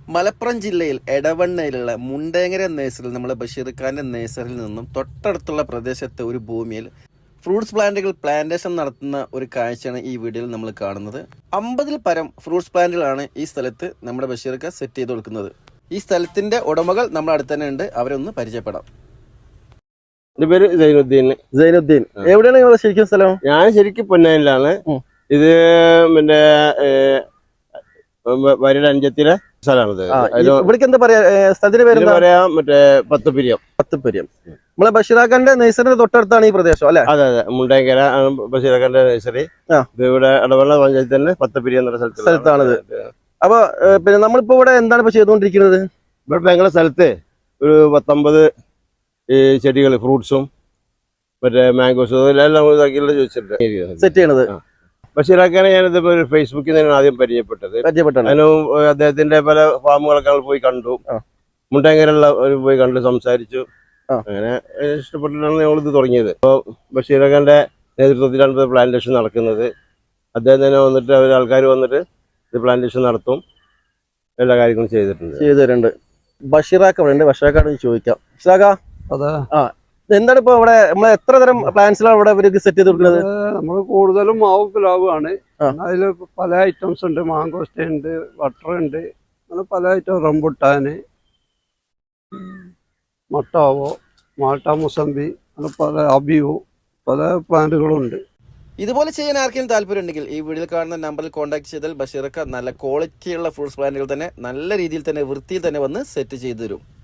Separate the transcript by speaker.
Speaker 1: മലപ്പുറം ജില്ലയിൽ എടവണ്ണയിലുള്ള മുണ്ടേങ്ങര നേഴ്സറിയിൽ നമ്മൾ ബഷീർ ഖാന്റെ നേഴ്സറിയിൽ നിന്നും തൊട്ടടുത്തുള്ള പ്രദേശത്തെ ഒരു ഭൂമിയിൽ ഫ്രൂട്ട്സ് പ്ലാന്റുകൾ പ്ലാന്റേഷൻ നടത്തുന്ന ഒരു കാഴ്ചയാണ് ഈ വീഡിയോയിൽ നമ്മൾ കാണുന്നത്. 50-ൽ പരം ഫ്രൂട്ട്സ് പ്ലാന്റുകളാണ് ഈ സ്ഥലത്ത് നമ്മുടെ ബഷീർ ഖാൻ സെറ്റ് ചെയ്ത് കൊടുക്കുന്നത്. ഈ സ്ഥലത്തിന്റെ ഉടമകൾ നമ്മുടെ അടുത്ത് തന്നെ ഉണ്ട്, അവരൊന്ന് പരിചയപ്പെടാം.
Speaker 2: എന്റെ പേര്
Speaker 1: സൈനുദ്ദീൻ. എവിടെയാണ് നിങ്ങൾ ശരിക്കും സ്ഥലം?
Speaker 2: ഞാൻ ശരിക്കും പൊന്നാനിലാണ്. ഇത് പിന്നെ വരിയുടെ അഞ്ചത്തിലെ സ്ഥലമാണിത്.
Speaker 1: ഇവിടേക്ക് എന്താ പറയാ സ്ഥലത്തിന്റെ പേര്?
Speaker 2: പറയാ മറ്റേ പത്തുപിരിയം.
Speaker 1: നമ്മളെ ബഷീർ ഖാന്റെ നഴ്സറിന്റെ തൊട്ടടുത്താണ് ഈ പ്രദേശം അല്ലെ?
Speaker 2: അതെ അതെ, മുണ്ടേങ്കര ബഷീർ ഖാന്റെ നഴ്സറി. ഇത് ഇവിടെ ഇടവെള്ള പഞ്ചായത്ത് തന്നെ പത്തുപിരിയം എന്നുള്ള
Speaker 1: സ്ഥലത്താണിത്. അപ്പൊ പിന്നെ നമ്മളിപ്പോ ഇവിടെ എന്താണ് ഇപ്പൊ ചെയ്തുകൊണ്ടിരിക്കുന്നത്?
Speaker 2: ഇവിടെ ഞങ്ങളുടെ സ്ഥലത്ത് ഒരു 19 ചെടികൾ, ഫ്രൂട്ട്സും മറ്റേ മാംഗോസും എല്ലാം ചോദിച്ചിട്ടുണ്ട്
Speaker 1: സെറ്റ് ചെയ്യണത്.
Speaker 2: ബഷീർ ഖാനെ ഞാനിത് ഫേസ്ബുക്കിൽ നിന്നാണ് ആദ്യം പരിചയപ്പെട്ടത്. അതിനും അദ്ദേഹത്തിന്റെ പല ഫാമുകളൊക്കെ ഞങ്ങൾ പോയി കണ്ടു. മുണ്ടേങ്കരയുള്ള പോയി കണ്ടു, സംസാരിച്ചു. അങ്ങനെ ഇഷ്ടപ്പെട്ടിട്ടാണ് ഞങ്ങളിത് തുടങ്ങിയത്. അപ്പോൾ ബഷീർ ഖാന്റെ നേതൃത്വത്തിലാണ് പ്ലാന്റേഷൻ നടക്കുന്നത്. അദ്ദേഹം തന്നെ വന്നിട്ട് ആൾക്കാർ വന്നിട്ട് ഇത് പ്ലാന്റേഷൻ നടത്തും, എല്ലാ കാര്യങ്ങളും ചെയ്തിട്ടുണ്ട്.
Speaker 1: ബഷീറാക്ക ഇവിടെ ഉണ്ട്, ബഷീറാക്കാണ് ചോദിക്കാം. ബഷീറാക്ക, എന്താണ് ഇപ്പൊ ഇവിടെ നമ്മൾ എത്ര തരം പ്ലാന്റ്സിലാണ് ഇവിടെ ഇവർക്ക് സെറ്റ് ചെയ്ത് കൊടുക്കുന്നത്?
Speaker 3: നമ്മൾ കൂടുതലും മാവ് പ്ലാവാണ്. അതിൽ പല ഐറ്റംസ് ഉണ്ട്. മാങ്കോസ്റ്റേ ഉണ്ട്, ബട്ടർ ഉണ്ട്, അങ്ങനെ പല ഐറ്റം. റംബുട്ടാന്, മട്ടാവോ, മാൾട്ട മുസമ്പി, അങ്ങനെ പല അബിയു, പല പ്ലാന്റുകളും ഉണ്ട്.
Speaker 1: ഇതുപോലെ ചെയ്യാൻ ആർക്കെങ്കിലും താല്പര്യം ഉണ്ടെങ്കിൽ ഈ വീഡിയോയിൽ കാണുന്ന നമ്പറിൽ കോൺടാക്ട് ചെയ്താൽ ബഷീർ ഖാൻ നല്ല ക്വാളിറ്റിയുള്ള ഫ്രൂട്ട്സ് പ്ലാന്റുകൾ തന്നെ നല്ല രീതിയിൽ തന്നെ വൃത്തിയിൽ തന്നെ വന്ന് സെറ്റ് ചെയ്തു തരും.